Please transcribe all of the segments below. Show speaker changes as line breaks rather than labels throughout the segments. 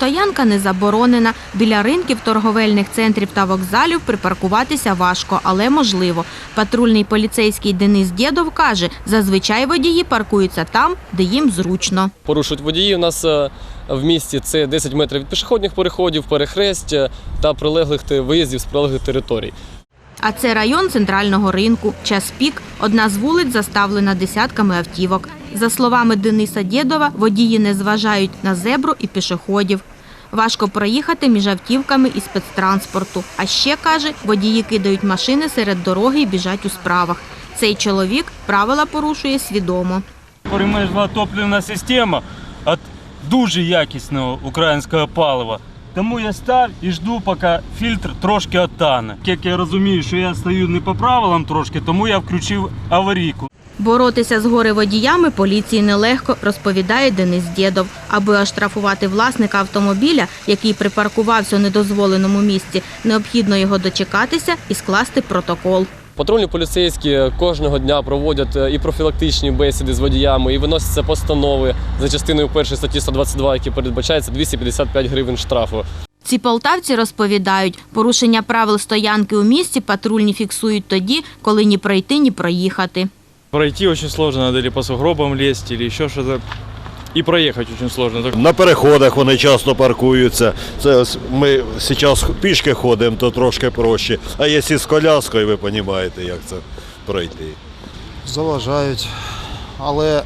Автостоянка не заборонена. Біля ринків, торговельних центрів та вокзалів припаркуватися важко, але можливо. Патрульний поліцейський Денис Дєдов каже, зазвичай водії паркуються там, де їм зручно.
Порушують водії у нас в місті – це 10 метрів від пішохідних переходів, перехресть та прилеглих виїздів з прилеглих територій.
А це район центрального ринку. Час пік. Одна з вулиць заставлена десятками автівок. За словами Дениса Дєдова, водії не зважають на зебру і пішоходів. Важко проїхати між автівками і спецтранспорту. А ще, каже, водії кидають машини серед дороги і біжать у справах. Цей чоловік правила порушує свідомо.
Мережна топливна система від дуже якісного українського палива. Тому я став і жду, поки фільтр трошки оттане. Як я розумію, що я стою не по правилам трошки, тому я включив аварійку.
Боротися з горе-водіями поліції нелегко, розповідає Денис Дєдов. Аби оштрафувати власника автомобіля, який припаркувався у недозволеному місці, необхідно його дочекатися і скласти протокол.
Патрульні поліцейські кожного дня проводять і профілактичні бесіди з водіями, і виносяться постанови за частиною 1 статті 122, які передбачається 255 гривень штрафу.
Ці полтавці розповідають, порушення правил стоянки у місті патрульні фіксують тоді, коли ні пройти, ні проїхати.
Пройти очень сложно, надо или по сугробам лезть, или еще что-то. І проїхати дуже складно.
На переходах вони часто паркуються. Це ми зараз пішки ходимо, то трошки проще. А якщо з коляскою, ви розумієте, як це пройти.
Заважають, але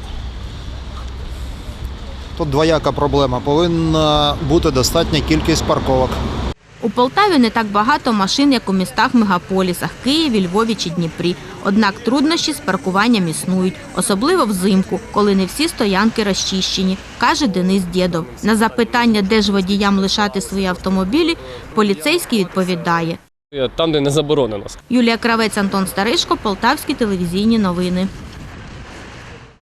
тут двояка проблема. Повинна бути достатня кількість парковок.
У Полтаві не так багато машин, як у містах-мегаполісах – Києві, Львові чи Дніпрі. Однак труднощі з паркуванням існують, особливо взимку, коли не всі стоянки розчищені, каже Денис Дєдов. На запитання, де ж водіям лишати свої автомобілі, поліцейський відповідає.
Там, де не заборонено.
Юлія Кравець, Антон Старишко, Полтавські телевізійні новини.